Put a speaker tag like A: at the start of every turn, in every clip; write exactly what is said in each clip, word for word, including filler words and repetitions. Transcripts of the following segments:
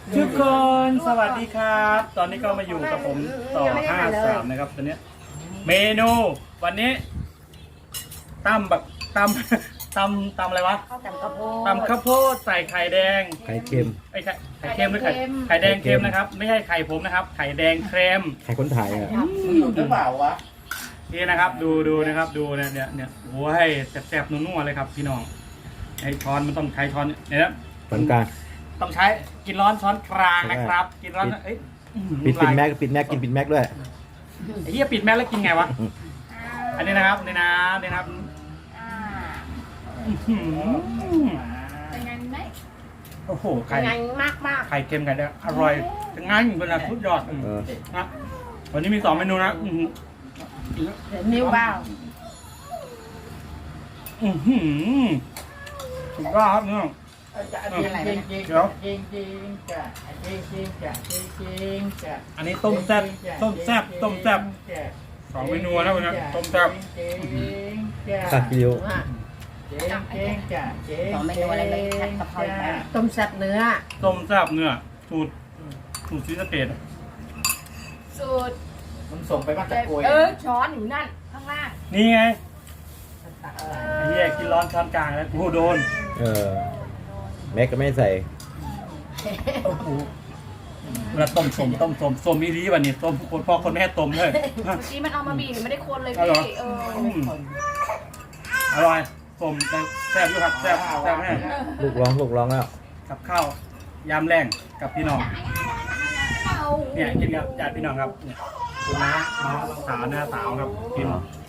A: ทุกคนสวัสดีครับ ตอนนี้ก็มาอยู่กับผมต่อห้าสามนะครับตอนนี้เมนูวันนี้ตำแบบตำตำตำอะไรวะ
B: ข้าวตำข้าวโพด
A: ตำข้าวโพดใส่ไข่แดง
C: ไข่เค็ม
A: ไอ้ไข่ไข่เค็มหรือไข่ไข่แดงเค็มนะครับไม่ใช่ไข่ผมนะครับไข่แดงเค็ม
C: ไข่คนไทยอ่ะ
D: หรือเปล่าวะ
A: นี่นะครับดูดูนะครับดูเนี่ยเนี่ยเนี่ยโอ้ยแซ่บๆนัวๆเลยครับพี่น้องไอ้ช้อนมันต้องใช้ช้อนเนี่ยนะ
C: ปานกลาง
A: ต้องใช้กินร้อนช้อนกลางนะครับ กินร้อนเอ้ย
C: ปิดปิดแม็กปิดแม็กกินปิดแม็กด้วย
A: ไอ้เหี้ยปิดแมสแล้วกินไงวะ อันนี้นะครับนี่นะนี่นะครับ
B: อ่า
A: อื้อหือ
B: เป็นไงไหม
A: โอ้โห
B: เป็
A: ไข่
B: นไงมากมาก
A: ไข่เค็มไข่แดงอร่อยจะงั้นเป็นอะไรสุดยอด
C: เออ
A: นะวันนี้มีสองเมนูนะอื้อหือ
B: เดี๋ยวนิ้วเบ้า
A: อื้อหือสุดยอดครับเนี่ย
D: จริงจริงจริง
A: เดี๋ยว
D: จริงจริงจ้ะจริงจริงจ้ะจริงจริงจ้ะ
A: อันนี้ต้มแซ่บต้มแซ่บต้มแซ่บสองเมนูนะวันนี้ต้มแซ่บ
D: จริงจ้ะ
C: ขาดกิโล
B: อ่ะ
D: จริงจริงจ้ะจริง
B: สองเมนูอะไรเลยผัดกะเพราไปต้มแซ่บเนื้อ
A: ต้มแซ่บเนื้อสูตรสูตรซีสะเกต
B: สูตร
D: มึงส่งไปบ้านตะโกย
B: เออช้อนอยู่นั่นข้างล่าง
A: นี่ไงไอ้เหี้ยกินร้อนช้อนกลางแล้วกูโดน
C: เออแม็กก็ไม่ใส่
A: โอ้โหเวลาต้มสมต้มสมสมมีดีวันนี้ต้มคนพ่อคนแม่ต้มเลย
B: เมื่อกี้มันเอามาบีบไม่ได้คนเลย
A: อ๋อเหรอ
B: พี่เออ
A: อืมอร่อยสมแต่แซ่บอยู่ครับแซ่บแซ่บแน่
C: ลูกร้องลูกร้องแล้ว
A: กับข้าวยามแรงกับพี่น้องเนี่ยกินกับญาติพี่น้องครับเนี่ยคุณน้าน้องสาวหน้าสาวครับกิน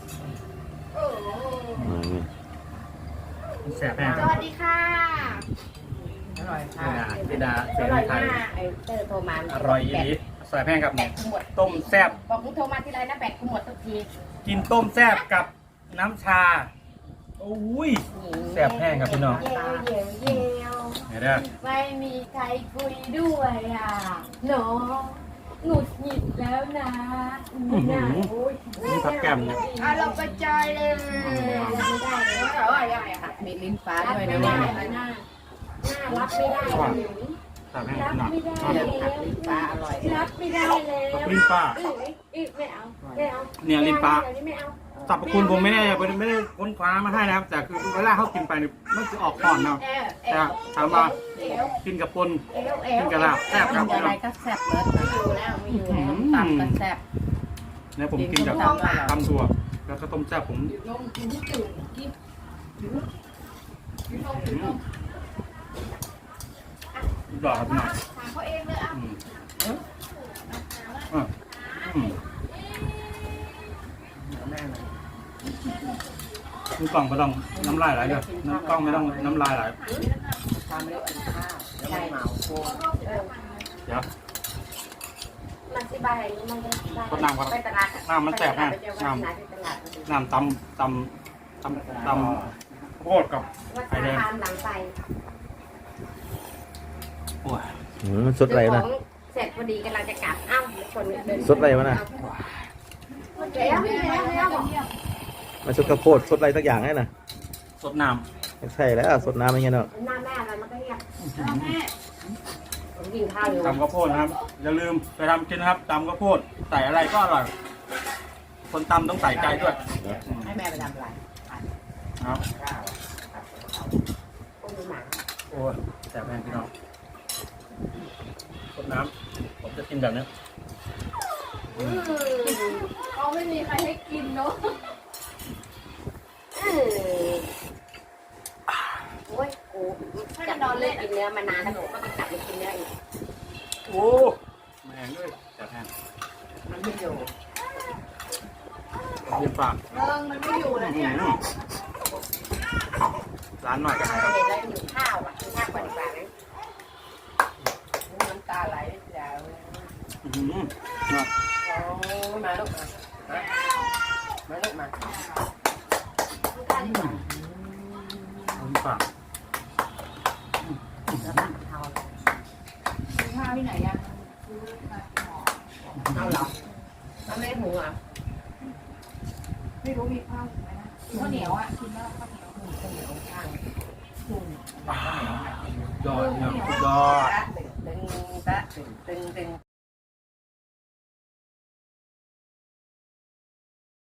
C: อืม
A: แซ่บแน่
B: สวัสดีค่ะ
D: อร่อย
A: เจ
D: ค่ะ
A: ดาเจดาเซ
B: อน ร่อย
A: ไท
B: มาย กไอ้เตอร์โทรมา
A: อร่อยอีหลีใส่แพงกับ
B: แบ
A: เนี่ย
B: ตกูหมด
A: ต้มแซ่บ
B: บอกมึงโทรมาทีไรนะแบตกูหมดทุกที
A: กินต้มแซ่บกับน้ำชาโอ้ยแซ่บแพงครับพี่น้อง
B: เยวเยวเยว
A: เห็นไหม
B: ไม่มีใครคุยด้วยอ่ะหนอหงุดหงิดแล้วนะเนี่ยโอ้ย
A: นี่ผักแก้มเนี่ย
B: เอาเราไปจอยเลยไม่ได้เลยแต่ว่ายังไงอะมีลิ้นฟ้าด้วยนะเนี่ยหน้ารับไม่ได้
A: แซ่บแพง
B: รับ
A: หนัก
B: ไม่ได้แล้วลิ้นฟ้าอร่อยรับไม่ได้แล้ว
A: ลิ้นป้า
B: อีกไม่เอาไม่เอา
A: เนี่ยลิ้นป้า
B: เดี๋ยวนี้ไม่เอา
A: สรรพคุณผมไม่ได้ไม่ได้ไม่ได้ค้นคว้ามาให้นะครับ แต่คือเวลาเขากินไปเนี่ยมันจะออกก่อนเนาะ
B: เอวเอ
A: แต่
B: ว
A: ถามว่า
B: เอว
A: กินกับปน
B: เอวเอ
A: กิ
B: วน
A: กับลาบแซ่บครับ
B: อะไรก็แซ่บเลยไม่อยู่แล้วไม่อยู่แล้วตำก็แซ่บ
A: เนี่ยผมกินกับตำถั่วแล้วก็ต้มแซ่บผม
B: ลงกินที่ตื่นกินกินลงกินลง
A: ดอกครับพี่น้อง
B: ถามเขาเองเลยอ่ะ
A: อืมอ่ะอืมคุณกล่องไม่ต้องน้ำลายไหลเลยน้ำกล้องไม่ต้องน้ำลายไหล
D: ทำแล้วอันข้าวแล้วไม่เมาโค
A: เดี๋ยว
B: มันสิบายมันจะสิบาย
A: ก็น้ำครับ
B: ไปตลาด
A: น้ำมันแสบนะ
B: น้ำ
A: น้ำ
B: น้ำตลาด
A: น้ำตำตำตำตำโคตรกับ
B: วัด
A: ไข่แดง
B: ตามหลังไป
A: โอ้ย
C: อืมมันสดอะไรนะ
B: เสร็จพอดีกำลังจะกลับอ้าวคนเดิน
C: สดอะไรวะน่ะ
B: เดี๋ยวเดี๋ยวเดี๋ยว
C: มันสดข้าวโพดสดอะไรสักอย่างไงนะ
A: สดน้
C: ไม่ใช่แล้วสดน้ำไม่ใช่เนาะ
B: หน้าแม่อะไรมันก็เรียกแม่ผมกินข้าวอยู่
A: ำตำข้าวโพดนะครับ อย่าลืมไปทำกินนะครับตำข้าวโพดใส่อะไรก็อร่อย คนตำต้องใส่ใจด้วย
B: ให้แม่ไปทำอะไร
A: ครับ
B: โอ้ยหมา
A: โอ้ยแสบแพงพี่น้องสดน้ำผมจะกินแบบนี้
B: เขาไม่มีใครให้กินเนาะโอ้ยกูจะนอนเล่นกินเนื้อมานานแล้วผมก็ไปกลับไปกินเนื้ออีก
A: โอ้แมงด้วยแสบแพง
B: มันไม่อยู่
A: เยี่ยมปาก
B: เริงมันไม่อยู่แล้วเนี่ย
A: ร้านหน่อยกัน
B: เห็
A: นะครับ
B: นแล้วหิวข้าวอ่ะกินข้าวก่อนดีกว่าไหมน้ำตาไหลยาว
A: อือหือนะ
B: โอ้ยมาลูกมามาลูกมาลูกข้าวดีกว่า
A: เยี่ยมปาก
B: แล้วตักเทาซื้อข้าวที่ไหนอ่ะเอาเหรอเอาไม่ได้หุงอ่ะ
E: ไม่รู้มีข้าวไหมนะข้าวเหนียวอ่ะกินแล้วข้าวเหนียว
B: ข้าวเหนียวข้าง
A: ยอดเนี่ยสุดยอด
B: ตึงตะ
D: ตึงตึงตึง